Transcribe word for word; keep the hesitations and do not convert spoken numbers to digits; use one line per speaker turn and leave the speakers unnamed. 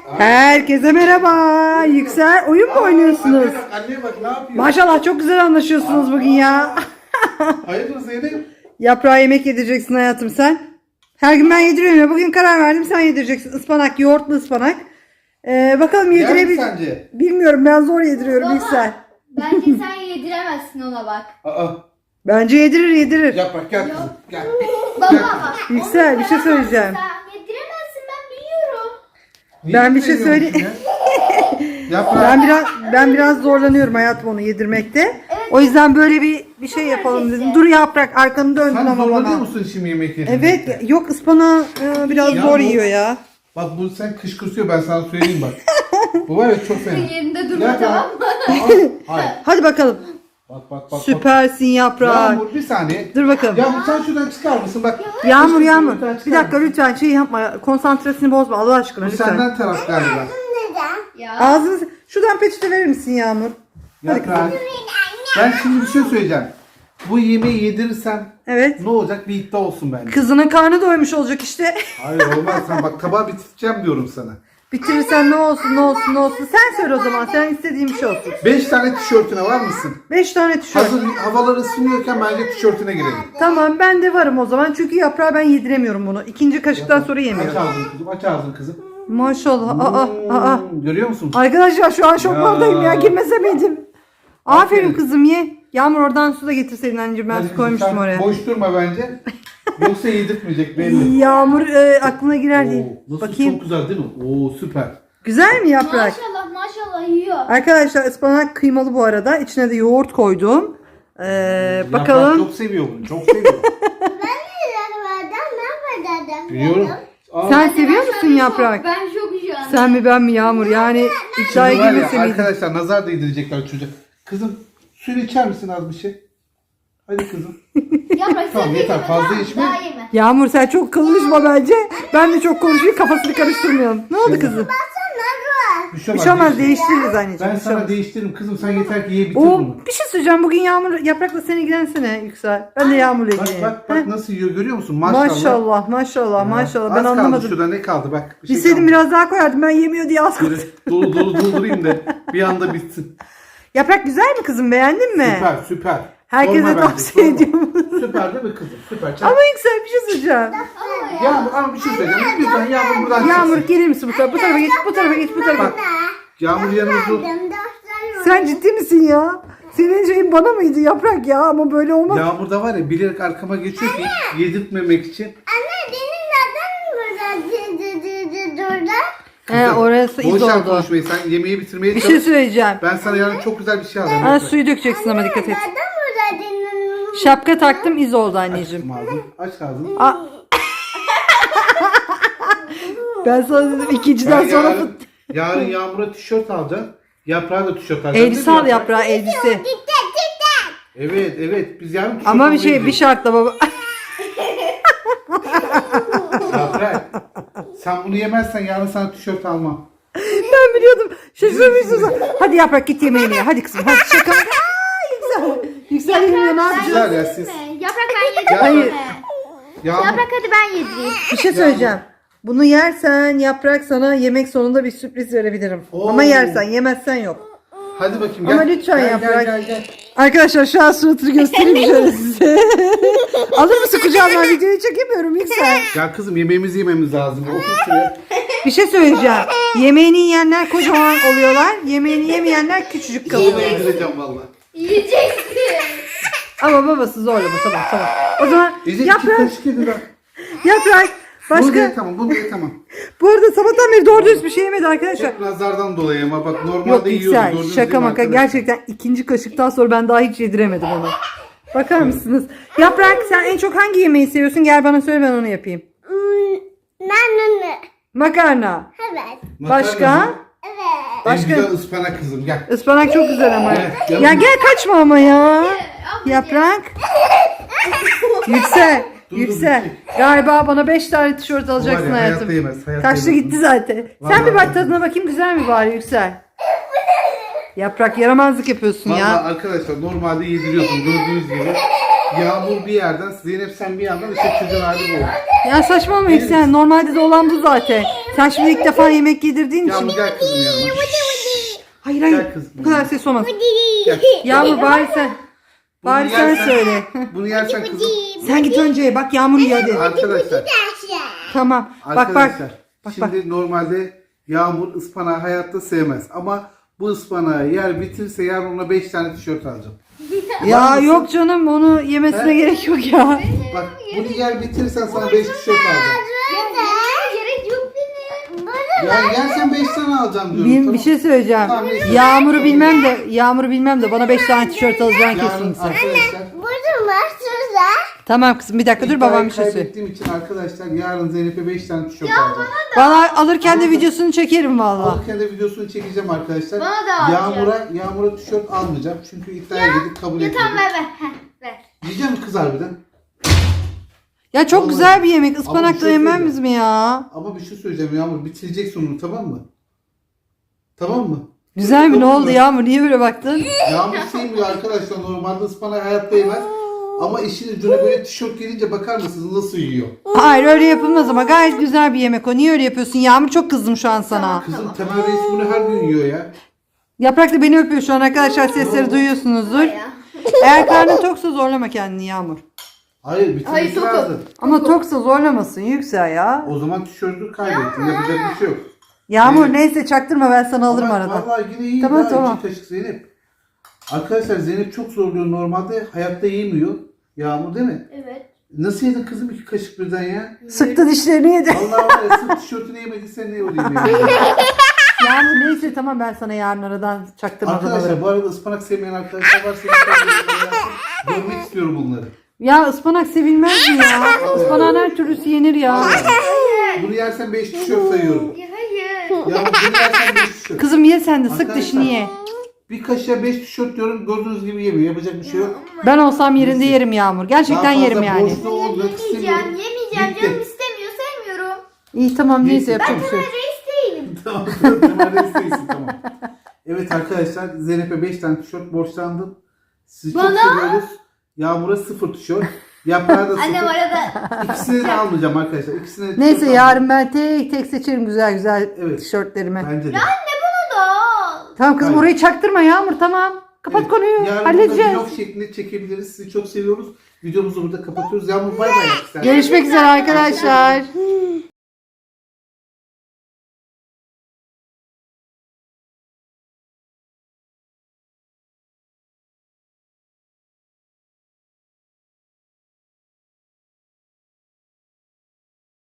Herkese merhaba. Yüksel oyun mu oynuyorsunuz?
Anneye bak, anneye bak ne yapıyor?
Maşallah çok güzel anlaşıyorsunuz bugün ya.
Hayırdır Zeynep?
Yaprağa yemek yedireceksin hayatım sen. Her gün ben yediriyorum ya. Bugün karar verdim sen yedireceksin. Ispanak, yoğurtlu ıspanak. Ee, bakalım
Yer mi
yedirebil...
sence?
Bilmiyorum ben zor yediriyorum
Baba,
Yüksel.
bence sen yediremezsin ona bak.
Aa,
Bence yedirir yedirir.
yaprak gel kızım gel.
Baba
Gel.
bak.
Yüksel,
onu
bir şey
veremezsin
söyleyeceğim.
Sen yediremezsin ben biliyorum.
Niye
Ben bir şey
bilmiyorsun
söyleyeyim.
ya? Yaprak.
Ben biraz ben biraz zorlanıyorum hayatım onu yedirmekte. O yüzden böyle bir bir şey yapalım dedim. Dur yaprak arkanı döndün
Sen
ama
zorlanıyor
bana.
musun şimdi yemek yedirmekte?
Evet yok ıspanağı e, biraz
Ya
zor
bu-
yiyor ya.
Bak bu sen kışkırtıyor ben sana söyleyeyim bak. Bu var ya çok fena.
Yerinde durma
Yaprak.
tamam mı?
Aa, hayır.
Hadi bakalım.
Bak bak bak. bak.
Süpersin yaprak.
Yağmur bir saniye.
Dur bakalım.
Yağmur sen şuradan çıkar mısın bak.
Yağmur
Lütfen
yağmur.
çıkar
Bir dakika
mısın?
lütfen şey yapma. Konsantrasını bozma Allah aşkına
Bu
lütfen.
senden taraf galiba.
Ya.
Ağzını şuradan peçete verir misin Yağmur? Hadi
Yaprak.
kızım.
Ben şimdi bir şey söyleyeceğim. Bu yemeği yedirirsem
Evet.
ne olacak bir iddia olsun bence.
Kızının karnı doymuş olacak işte.
Hayır olmaz sen bak tabağı bitireceğim diyorum sana.
Bitirirsen ne olsun ne olsun ne olsun. Sen söyle o zaman. Sen istediğin bir şey olsun.
Beş tane tişörtüne var mısın?
Beş tane tişört.
Hazır havalar ısınıyorken bence tişörtüne girelim.
Tamam ben de varım o zaman. Çünkü yaprağı ben yediremiyorum bunu. İkinci kaşıktan sonra
Aç
yemiyorum.
ağzını kızım, aç ağzını kızım.
Maşallah. Aa, aa.
Hmm, Görüyor musun?
Arkadaşlar şu an şoklardayım ya.
Ya.
Girmese miydim? Aferin
Aferin.
kızım ye. Yağmur oradan su da getirseydin anneciğim. Ben
Hadi
su
kızım,
koymuştum
sen
oraya.
Boş durma bence. Yoksa yedirtmeyecek belli.
Yağmur e, aklına girer diye.
Oo, nasıl
Bakayım.
çok güzel değil mi? Oo süper.
Güzel mi yaprak?
Maşallah maşallah yiyor.
Arkadaşlar ıspanak kıymalı bu arada. İçine de yoğurt koydum. Ee,
Yaprak
bakalım.
çok seviyor bunu. Çok seviyor. Biliyorum. Aa,
Sen
Ben
seviyor
şu an
musun
şok,
yaprak?
Ben çok şu an.
Sen mi ben mi Yağmur? Yani iddiaya
şimdi var ya,
girmese miydin?
arkadaşlar nazar değdirecekler çocuğa. Kızım suyunu içer misin az bir şey? Hadi kızım.
Yaprak
Tamam,
sen
yeter,
yeme,
fazla
tamam,
içme.
Daha yeme.
Yağmur sen çok konuşma bence. Ben de çok konuşayım kafasını karıştırmayalım. Ne oldu kızım?
Bir şey
Bir şey olmaz
değiştir.
değiştiririz anneciğim.
Ben
bir şey
sana
olmaz.
değiştiririm kızım sen yeter ki ye bitir
Oo,
bunu.
bir şey söyleyeceğim. Bugün Yağmur yaprakla sen ilgilensene Yüksel. Ben de Yağmur'la
Bak
ilgileneyim.
bak bak
Heh.
nasıl yiyor görüyor musun? Maşallah.
Maşallah maşallah maşallah.
Az
Ben
kaldı
anlamadım.
şurada ne kaldı bak. Bir şey
Bilseydim
kaldı.
biraz daha koyardım. Ben yemiyor diye az koydum.
Böyle dolu dolu doldurayım da bir anda bitsin.
Yaprak güzel mi kızım? Beğendin mi?
Süper süper.
Herkese
Sorma bence,
tavsiye
sorma.
ediyorum.
Süper değil mi kızım? Süper. Çak.
Ama Yüksel bir şey söyleyeceğim.
Ama ya.
Yağmur ama bir şey söyleyeceğim. Lütfen Yağmur buradan
Yağmur
çıksın.
gelir misin bu tarafa? Bu tarafa geç, bu tarafa geç, bu tarafa.
Bak Yağmur yanımızda.
Sen ciddi misin ya? Senin şeyin bana mıydı Yaprak ya? Ama böyle olmaz.
Yağmur da var ya bilerek arkama geçiyor ki yedirtmemek için.
He orası iz
Boş ver
oldu.
konuşmayı sen yemeği bitirmeye
Bir
çalış.
şey söyleyeceğim.
Ben sana yarın çok güzel bir şey alacağım.
Ha,
lütfen.
suyu dökeceksin ama dikkat et. Şapka taktım iz oldu
Aç
anneciğim.
ağzını. Aç ağzını.
Aa. Ben sana dedim ikinciden
Ben
sonra
yarın, yarın Yağmur'a tişört alacağım. Yaprağa da tişört alacağım.
elbise
değil mi
al yaprağı elbise.
Evet evet biz yarın tişört
Ama bir
almaya
şey bir
gidiyoruz.
şartla baba.
Yaprak sen bunu yemezsen yarın sana tişört almam.
Ben biliyordum. Şaşırmışsın. Hadi Yaprak git yemeğini ye. Hadi kızım hadi şaka. Aa, Yüksel. Yüksel yemiyor ne yapacağız?
Güzel ya siz.
Yaprak ben yedireyim
Hayır.
mi?
Yağmur,
Yaprak hadi ben yedireyim.
Bir şey söyleyeceğim. Bunu yersen Yaprak sana yemek sonunda bir sürpriz verebilirim.
Oo.
Ama yersen yemezsen yok.
hadi bakayım
Ama
gel.
lütfen
gel,
Yaprak.
Gel gel gel.
Arkadaşlar şu an suratını göstereyim şöyle size. Alır mısın kucağıma videoyu çekemiyorum Yüksel.
Gel kızım yemeğimizi yememiz lazım. Otur şuraya.
Bir şey söyleyeceğim. Yemeğini yiyenler kocaman oluyorlar. Yemeğini yemeyenler küçücük
Onu
kalıyor.
yedireceğim valla.
Yiyeceksin.
Ama babası zorlama tamam tamam. O zaman
Yiyecek iki
Yaprak,
kaşık yedi bak.
Yaprak.
Bunu
Başka.
ye tamam bunu ye tamam.
Bu arada sabahtan beri doğru dürüst bir şey yemedi arkadaşlar.
Hep nazardan dolayı ama bak normalde
Yok
yiyordu.
Yüksel
gördünüz
şaka
değil mi
maka
arkadaşlar?
gerçekten ikinci kaşıktan sonra ben daha hiç yediremedim onu. Bakar mısınız? Yaprak sen en çok hangi yemeği seviyorsun? Gel bana söyle ben onu yapayım. Makarna.
Makarna
Başka?
mı? En
Başka?
güzel ıspanak kızım gel.
Ispanak çok güzel ama.
Evet,
Ya
yanım.
gel kaçma ama ya. Yaprak. Yüksel.
Dur, dur,
Yüksel.
dur.
Galiba bana beş tane tişört
Bu var
alacaksın
ya,
hayatım.
hayatta yemez, hayatta
Kaçtı
yemez.
gitti zaten.
Vallahi
Sen bir bak
billahi.
tadına bakayım güzel mi bari Yüksel? Yaprak yaramazlık yapıyorsun
Valla
ya.
arkadaşlar normalde yediriyordum gördüğünüz gibi. Yağmur bir yerden, Zeynep sen bir yandan, işte çocuğun hali bu.
Ya saçmalama Yüksel. Normalde de olan bu zaten. Sen şimdi ilk defa yemek yedirdiğin için.
Yağmur gel kızım yanıma.
Hayır hayır.
Gel kızım.
Bu kadar ses olmaz.
Gel.
Yağmur bari sen.
Bunu
Bari sen
yersen-
söyle.
Bunu yersen kızım.
Sen git önce bak Yağmur yiyor hadi.
Arkadaşlar.
Tamam. Bak bak.
Arkadaşlar.
Bak,
Şimdi normalde Yağmur ıspanağı hayatta sevmez. Ama bu ıspanağı yer bitirse yarın ona beş tane tişört alacağım.
Ya yok canım onu yemesine
He?
gerek yok ya.
Bak bunu yer bitirirsen sana beş tişört alacağım.
Gerek yok benim.
Ya yersen beş tane alacağım diyorum.
Bir,
tamam.
bir şey söyleyeceğim.
Tamam, neyse.
Yağmur'u bilmem de Yağmur'u bilmem de bana beş tane tişört alacaksın
Yarın
kesin sen.
arkadaşlar.
Burada var şurada.
Tamam kızım bir dakika dur
iddiayı
babam bir şey söyle.
kaybettiğim için arkadaşlar yarın Zeynep'e beş tane tişört alacağım.
Bana alırken de videosunu çekerim valla.
Alırken de videosunu çekeceğim arkadaşlar.
Bana da alacağım.
Yağmur'a Yağmur'a tişört almayacağım. Çünkü iddiaya girdik kabul
Ya
etmedik.
tamam ver ver. Heh, ver.
Yiyeceğim mi kız harbiden?
Ya çok
Vallahi.
güzel bir yemek.
Ama bir
Ispanakla
şey
yemez
söyleyeceğim.
mi ya?
Ama bir şey söyleyeceğim Yağmur. Bitireceksin onu tamam mı? Tamam mı?
Güzel mi? Ne
Tamam
oldu
mı?
Yağmur? Niye böyle baktın?
Yağmur sevmiyor arkadaşlar. Normalde ıspanağı hayatta yemez. Ama işin ucuna böyle tişört gelince bakar mısınız nasıl yiyor?
Hayır öyle yapılmaz ama gayet güzel bir yemek o. Niye öyle yapıyorsun? Yağmur çok kızdım şu an sana.
Kızım Temel Reis bunu her gün yiyor ya.
Yaprak da beni öpüyor şu an arkadaşlar sesleri duyuyorsunuzdur.
Ya.
Eğer karnın toksa zorlama kendini Yağmur.
Hayır
Hayır,
bitirmesi
tokum.
lazım.
Ama toksa zorlamasın Yüksel ya.
O zaman tişörtü kaybettin. Yapacak bir şey yok.
Yağmur
Evet.
neyse çaktırma ben sana alırım
Ama
arada.
Vallahi yine iyi.
Tamam,
Tamam,
tamam.
İki kaşık Zeynep. Arkadaşlar Zeynep çok zorluyor normalde. Hayatta yemiyor. Yağmur değil mi?
Evet.
Nasıl yedin kızım iki kaşık birden ya?
Sıktı dişlerini yedi.
Vallahi var ya sırf tişörtünü yemediysen ne olayım ya.
Yağmur neyse tamam ben sana yarın aradan çaktırmadan alırım.
Arkadaşlar bu arada ıspanak sevmeyen arkadaşlar varsa lütfen görmek istiyorum bunları.
Ya ıspanak sevilmez mi ya? Ispanağın her türlüsü yenir ya.
Bunu yersen beş tişört sayıyorum.
Ya hayır.
Yağmur bunu yersen beş tişört.
Kızım ye sen de sık
Arkadaşlar,
dişini ye.
Bir kaşığa beş tişört diyorum gördüğünüz gibi yemiyor. Yapacak bir şey yok.
Ben olsam yerinde yerim Yağmur. Gerçekten
Daha fazla
yerim yani.
boşluğu olmak
Yemeyeceğim,
istemiyorum.
yemeyeceğim.
Bitti.
Canım istemiyor, sevmiyorum.
İyi tamam neyse
Neyse.
yapacak
Ben
bir şey yok.
Temel Reis değilim.
Tamam tamam Temel Reis değilsin, tamam. Evet arkadaşlar Zeynep'e beş tane tişört borçlandım. Sizi çok
Bana?
seviyoruz. Yağmur'a sıfır tişört. Yaprağa da
Annem
sıfır.
arada.
İkisini de almayacağım arkadaşlar. İkisini de tişört
Neyse
almayacağım.
yarın ben tek tek seçerim güzel güzel
Evet.
tişörtlerimi.
Bence de.
Anne bunu da al.
Tamam kızım
Hayır.
orayı çaktırma Yağmur tamam. Kapat
Evet,
konuyu
yarın burada
halledeceğiz.
vlog şeklinde çekebiliriz. Sizi çok seviyoruz. Videomuzu burada kapatıyoruz. Yağmur bay bay yap sen.
Görüşmek üzere arkadaşlar.